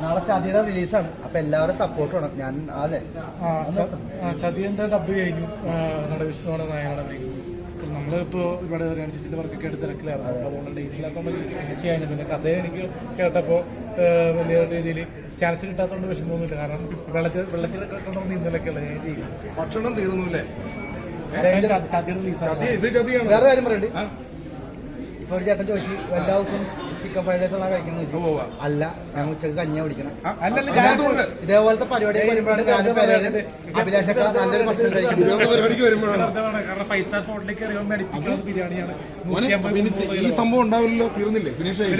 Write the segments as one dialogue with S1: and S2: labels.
S1: നാളെ ചതിയുടെ റിലീസാണ്. അപ്പൊ എല്ലാവരും സപ്പോർട്ട് വേണം. ഞാൻ അതെ
S2: ചതിയന്റെ ഡബ് കഴിഞ്ഞു. നടവിഷ്ണുവാണ് നായകനാണ്. നമ്മളിപ്പോൾ ഇവിടെ രഞ്ജിത്തിന്റെ വർക്കൊക്കെ എടുത്ത് തിരക്കിലായിരുന്നു. അതുകൊണ്ട് ഡേറ്റില്ലാത്തതുകൊണ്ട് ചെയ്യാൻ. പിന്നെ കഥയെ എനിക്ക് കേട്ടപ്പോൾ വലിയ രീതിയിൽ ചാൻസ് കിട്ടാത്തതുകൊണ്ട് വിഷമമൊന്നുമില്ല. കാരണം വെള്ളത്തിൽ കിട്ടണമെന്ന് ഇന്നലെയൊക്കെയല്ല ഞാൻ ചെയ്യും.
S3: ഭക്ഷണം തീർന്നുല്ലേ?
S2: ചതിയുടെ റിലീസാണ്.
S1: വേറെ കാര്യം പറയണ്ട്. ഇപ്പൊ ഒരു ചേട്ടൻ ചോദിച്ചു എല്ലാ ദിവസവും ചിക്കൻ ഫ്രൈഡ് റൈസ് ആണ് കഴിക്കുന്നത്. അല്ല, ഞങ്ങൾ ഉച്ചക്ക് കഞ്ഞിയാ കുടിക്കണം. ഇതേപോലത്തെ പരിപാടി വരുമ്പോഴാണ് ഞാനും പേരും അഭിലാഷൊക്കെ നല്ലൊരു ഭക്ഷണം കഴിക്കുന്നത്.
S3: ഈ സംഭവം ഉണ്ടാവില്ലല്ലോ, തീർന്നില്ലേ?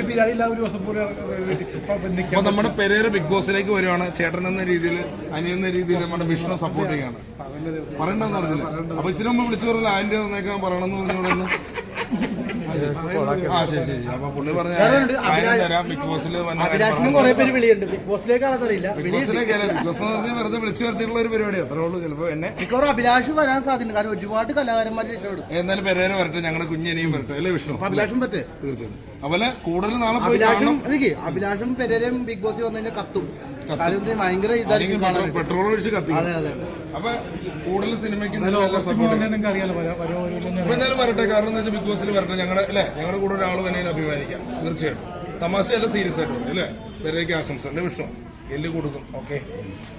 S3: അപ്പൊ നമ്മുടെ പെരേര ബിഗ് ബോസിലേക്ക് വരുവാണ്. ചേട്ടൻ എന്ന രീതിയിൽ, അനിയൻ എന്ന രീതിയിൽ നമ്മുടെ വിഷ്ണു സപ്പോർട്ട് ചെയ്യാണ്. പറയണ്ടെന്ന് പറഞ്ഞില്ല. അപ്പൊ ഇച്ചിരി മുമ്പ് വിളിച്ചു പറഞ്ഞില്ല ആയിരം രൂപ തന്നേക്കാൻ പറയണമെന്ന് പറഞ്ഞോളൂ. ആ ശരി ശരി. അപ്പൊ പുള്ളി പറഞ്ഞ തരാം. ബിഗ് ബോസിൽ
S1: കുറെ പേര് വിളിയുണ്ട്. ബിഗ് ബോസിലേക്കാണെന്ന് അറിയില്ല.
S3: ബിഗ് ബോസിലേക്ക് ബിഗ് ബോസ് എന്ന് പറഞ്ഞാൽ വെറുതെ വിളിച്ചു വരുത്തിയിട്ടുള്ള ഒരു പരിപാടി അത്രേ ഉള്ളൂ. ചിലപ്പോ എന്നെ
S1: അഭിലാഷ് വരാൻ സാധ്യത. കാരണം ഒരുപാട് കലാകാരന്മാർ രക്ഷപ്പെടും.
S3: എന്നാലും പെരേര വരട്ടെ, ഞങ്ങളുടെ കുഞ്ഞിനെയും വരട്ടെ അല്ലേ വിഷ്ണു?
S1: അഭിലാഷും പറ്റേ
S3: തീർച്ചയായും. അതുപോലെ കൂടുതൽ നാളെ
S1: അഭിലാഷും പെരേരയും ബിഗ് ബോസ് വന്നതിന്റെ കത്തും ഭയങ്കര ഇതായിരിക്കും.
S3: പെട്രോൾ ഒഴിച്ച് കത്തി. അപ്പൊ കൂടുതൽ സിനിമയ്ക്ക് എന്തായാലും വരട്ടെ. കാരണം എന്താ വെച്ചാൽ ബിഗ് ബോസിൽ വരട്ടെ. ഞങ്ങളുടെ അല്ലെ, ഞങ്ങളുടെ കൂടെ ഒരാൾ വേണമെങ്കിൽ അഭിമാനിക്കാം. തീർച്ചയായിട്ടും. തമാശയല്ല, സീരിയസ് ആയിട്ട് അല്ലേ? പെരേരയ്ക്ക് ആശംസ അല്ലേ വിഷ്ണു? എല്ല് കൊടുക്കും. ഓക്കെ.